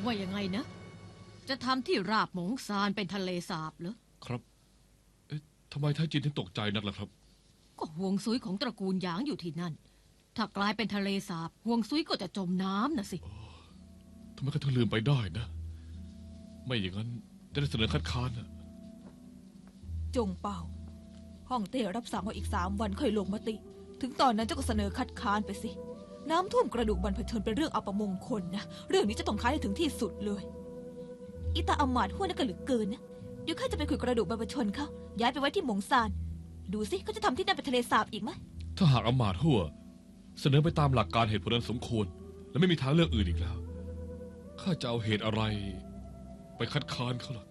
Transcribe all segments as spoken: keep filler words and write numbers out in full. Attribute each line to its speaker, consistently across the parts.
Speaker 1: ว่ายังไงนะจะทำที่ราบหมงซานเป็นทะเลสาบเหรอ
Speaker 2: ครับเอ๊ะทำไมไทจินถึงตกใจนักล่ะครับ
Speaker 1: ก็ห่วงซุยของตระกูลหยางอยู่ที่นั่นถ้ากลายเป็นทะเลสาบห่วงซุยก็จะจมน้ำนะสิ
Speaker 2: ทำไมเขาถึงลืมไปได้นะไม่อย่างนั้นจะได้เสนอคัดค้านนะ
Speaker 3: จงเป่าฮ่องเต้รับสั่งว่าอีกสามวันค่อยลงมติถึงตอนนั้นเจ้าก็เสนอคัดค้านไปสิน้ำท่วมกระดูกบรรพชนเป็นเรื่องอัปมงคลนะเรื่องนี้จะต้องค้านให้ถึงที่สุดเลยอิตาอำมาตย์หัวนั่นก็เหลือเกินนะเดี๋ยวข้าจะไปขุดกระดูกบรรพชนเขาย้ายไปไว้ที่หมงซานดูสิเขาจะทำที่นั่นเป็นทะเลสาบอีกไหม
Speaker 2: ถ้าหากอำมาตย์หัวเสนอไปตามหลักการเหตุผลนั้นสมควรและไม่มีทางเลือกอื่นอีกแล้วข้าจะเอาเหตุอะไรไปคัดค้านเขาล่ะ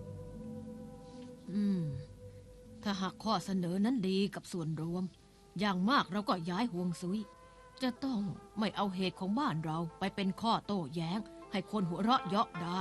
Speaker 1: อืมถ้าหากข้อเสนอนั้นดีกับส่วนรวมอย่างมากเราก็ย้ายห่วงซุยจะต้องไม่เอาเหตุของบ้านเราไปเป็นข้อโต้แย้งให้คนหัวเราะเยาะได้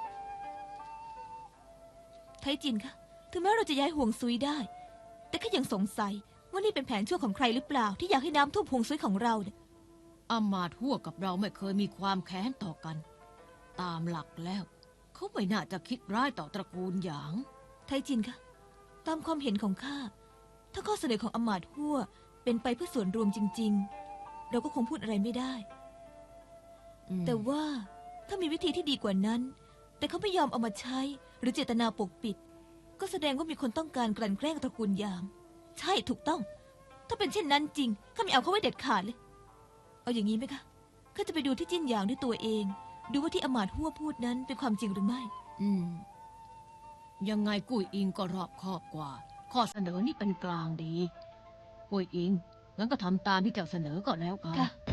Speaker 3: ไทจินคะถึงแม้เราจะย้ายห่วงซุยได้แต่ก็ยังสงสัยว่านี่เป็นแผนชั่วของใครหรือเปล่าที่อยากให้น้ำท่วมห่วงซุยของเราเนี่ย
Speaker 1: อามาตย์หัวกับเราไม่เคยมีความแค้นต่อกันตามหลักแล้วเขาไม่น่าจะคิดร้ายต่อตระกูลหยาง
Speaker 3: ไทจินคะตามความเห็นของข้าถ้าข้อเสนอของอำมาตย์หัวเป็นไปเพื่อส่วนรวมจริงๆเราก็คงพูดอะไรไม่ได้แต่ว่าถ้ามีวิธีที่ดีกว่านั้นแต่เขาไม่ยอมเอามาใช้หรือเจตนาปกปิดก็แสดงว่ามีคนต้องการกลั่นแกล้งตระกูลหยางใช่ถูกต้องถ้าเป็นเช่นนั้นจริงข้าไม่เอาเขาไว้เด็ดขาดเลยเอาอย่างนี้ไหมคะข้าจะไปดูที่จิ้นหยางด้วยตัวเองดูว่าที่อำมาตย์หัวพูดนั้นเป็นความจริงหรือไม่
Speaker 1: อืมยังไงกุ้ยอิงก็รอบคอบกว่าข้อเสนอนี่เป็นกลางดีกุ้ยอิงงั้นก็ทำตามที่เจ้าเสนอก็แล้วกัน